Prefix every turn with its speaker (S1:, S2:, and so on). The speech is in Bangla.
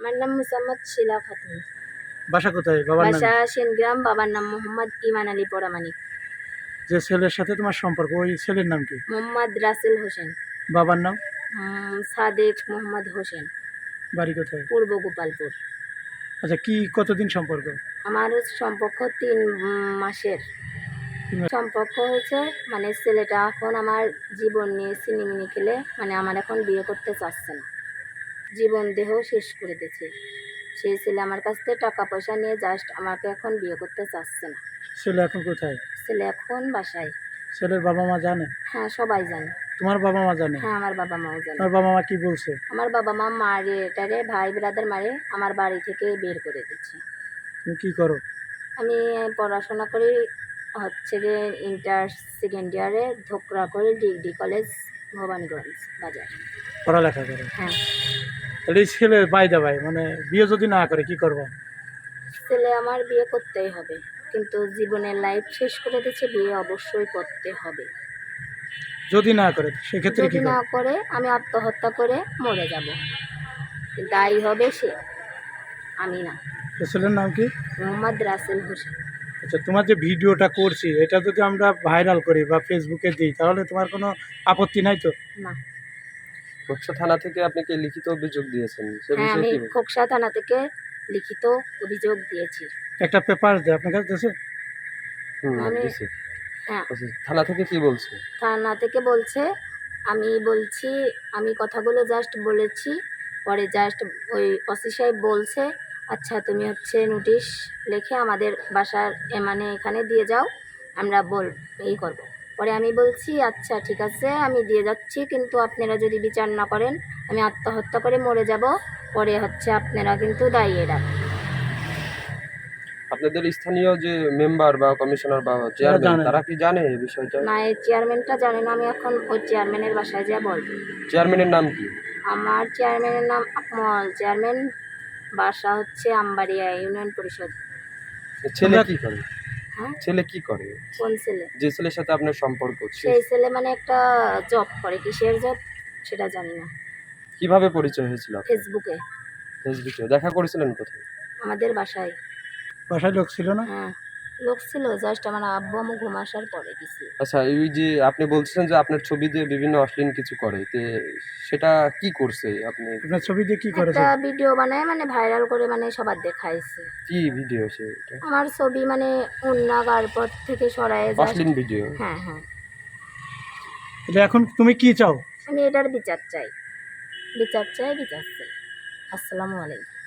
S1: আমার নাম মুসাম্মদ শিলা খাতুন।
S2: বাসা কোথায়? বাবার নাম?
S1: বাসা সেনগ্রাম। বাবার নাম মোহাম্মদ ইমান আলী পরামানিক।
S2: যে ছেলের সাথে তোমার সম্পর্ক, ওই ছেলের নাম কি?
S1: মোহাম্মদ রাসেল হোসেন।
S2: বাবার নাম?
S1: সাদেক মোহাম্মদ হোসেন।
S2: বাড়ি কোথায়?
S1: পূর্ব গোপালপুর।
S2: আচ্ছা, কি কতদিন সম্পর্ক?
S1: আমার সম্পর্ক 3 মাসের সম্পর্ক হয়েছে। মানে ছেলেটা এখন আমার জীবন নিয়ে সিনেমিনি খেলে, মানে আমার এখন বিয়ে করতে চাচ্ছে না, জীবন দেহ শেষ করে দিয়েছে। সেই ছেলে আমার কাছ থেকে টাকা পয়সা নিয়ে জাস্ট আমাকে এখন বিয়ে করতে চাচ্ছে না।
S2: ছেলে এখন কোথায়?
S1: ছেলে এখন বাসায়।
S2: ছেলের বাবা মা জানে?
S1: হ্যাঁ, সবাই জানে।
S2: তোমার বাবা মা জানে?
S1: হ্যাঁ, আমার বাবা মাও জানে।
S2: তোমার বাবা মা কি বলছে?
S1: আমার বাবা মা মারে এটারে ভাই ব্রাদার মারে আমার বাড়ি থেকে বের করে দিচ্ছে।
S2: তুমি কি করো?
S1: আমি পড়াশোনা করি, হচ্ছে গিয়ে ইন্টার সেকেন্ড ইয়ারে ধোকরা করি, ডিগ্রি কলেজ ভবানীগঞ্জ বাজার।
S2: পড়ালেখা করো?
S1: হ্যাঁ।
S2: তাহলে এই ছেলে বাইদা ভাই, মানে বিয়ে যদি না করে কি করবো?
S1: ছেলে আমার বিয়ে করতেই হবে, কিন্তু জীবনের লাইফ শেষ করে দিচ্ছে, বিয়ে অবশ্যই করতে হবে।
S2: যদি না করে সেক্ষেত্রে কি
S1: যদি না করে আমি আত্মহত্যা করে মরে যাব, দায়ী হবে সে, আমি না।
S2: ছেলের নাম কি?
S1: মোহাম্মদ রাসেল হোসেন।
S2: আচ্ছা, তোমার যে ভিডিওটা করছি এটা যদি আমরা ভাইরাল করি বা ফেসবুকে দিই তাহলে তোমার কোনো আপত্তি নাই তো?
S1: না।
S3: খোকসা থানা থেকে আপনি কি লিখিত অভিযোগ দিয়েছেন?
S1: হ্যাঁ, আমি খোকসা থানা থেকে লিখিত অভিযোগ দিয়েছি।
S2: একটা পেপার দেয় আপনার কাছে দেশে?
S1: হ্যাঁ।
S3: থানা থেকে কি বলছে?
S1: থানা থেকে বলছে, আমি কথাগুলো জাস্ট বলেছি, পরে জাস্ট ওই ওসি সাহেব বলছে আচ্ছা তুমি হচ্ছে নোটিশ লিখে আমাদের বাসার মানে এখানে দিয়ে যাও, আমরা করব। পরে আমি বলছি আচ্ছা ঠিক আছে আমি দিয়ে যাচ্ছি, কিন্তু আপনারা যদি বিচার না করেন আমি আত্মহত্যা করে মরে যাব, পরে হচ্ছে আপনারা কিন্তু দায়ী এরা।
S3: আপনাদের স্থানীয় যে মেম্বার বা কমিশনার বা চেয়ারম্যান তারা কি জানে এই বিষয়টা?
S1: না, এই চেয়ারম্যানটা জানে না। আমি এখন ওই চেয়ারম্যানের বাসায় যা বলবো।
S3: চেয়ারম্যানের নাম কি?
S1: আমার চেয়ারম্যানের নাম আকমল। চেয়ারম্যান বাসা হচ্ছে আমবাড়িয়া ইউনিয়ন পরিষদ।
S3: ছেলে কি করে?
S1: হ্যাঁ,
S3: ছেলে কি করে?
S1: কোন ছেলে?
S3: যে ছেলের সাথে আপনার সম্পর্ক?
S1: সেই ছেলে মানে একটা জব করে, কিসের জব সেটা জানি না।
S3: কিভাবে পরিচয় হয়েছিল?
S1: ফেসবুকে।
S3: ফেসবুকে দেখা করেছিলেন কোথায়?
S1: আমাদের বাসায়।
S2: বাসায় লোক ছিল না?
S1: হ্যাঁ, লোক ছিল, জাস্ট আমার আব্বু আম্মু ঘুম আসার পরে গেছি।
S3: আচ্ছা, এই যে আপনি বলছেন যে আপনার ছবি দিয়ে বিভিন্ন অশ্লীল কিছু করে, তে সেটা কি করছে?
S2: আপনার ছবি দিয়ে কি করেছে?
S1: একটা ভিডিও বানায়, মানে ভাইরাল করে, মানে সবার দেখাইছে।
S3: কি ভিডিও সেটা?
S1: আমার ছবি মানে উন্না গারপর থেকে সরায়
S3: অশ্লীল ভিডিও?
S1: হ্যাঁ হ্যাঁ।
S2: এখন তুমি কি চাও?
S1: আমি এটার বিচার চাই, বিচার চাই, বিচার চাই। আসসালামু আলাইকুম।